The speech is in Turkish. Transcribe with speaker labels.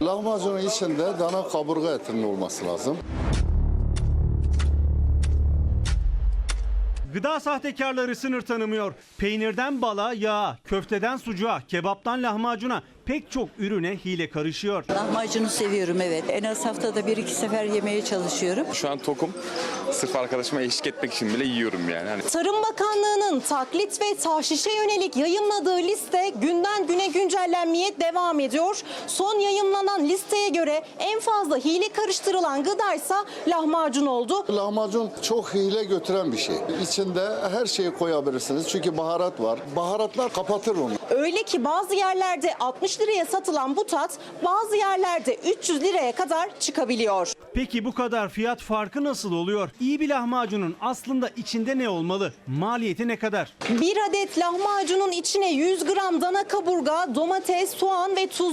Speaker 1: Lahmacunun içinde dana kaburga etinin olması lazım.
Speaker 2: Gıda sahtekarları sınır tanımıyor. Peynirden bala, yağa, köfteden sucuğa, kebaptan lahmacuna pek çok ürüne hile karışıyor.
Speaker 3: Lahmacunu seviyorum, evet. En az haftada 1-2 sefer yemeye çalışıyorum.
Speaker 4: Şu an tokum. Sırf arkadaşıma eşlik etmek için bile yiyorum yani.
Speaker 5: Tarım Bakanlığı'nın taklit ve tahşişe yönelik yayımladığı liste günden güne güncellenmeye devam ediyor. Son yayımlanan listeye göre en fazla hile karıştırılan gıdaysa lahmacun oldu.
Speaker 1: Lahmacun çok hile götüren bir şey. İçinde her şeyi koyabilirsiniz çünkü baharat var. Baharatlar kapatır onu.
Speaker 5: Öyle ki bazı yerlerde 60 liraya satılan bu tat bazı yerlerde 300 liraya kadar çıkabiliyor.
Speaker 2: Peki bu kadar fiyat farkı nasıl oluyor? İyi bir lahmacunun aslında içinde ne olmalı? Maliyeti ne kadar?
Speaker 5: Bir adet lahmacunun içine 100 gram dana kaburga, domates, soğan ve tuz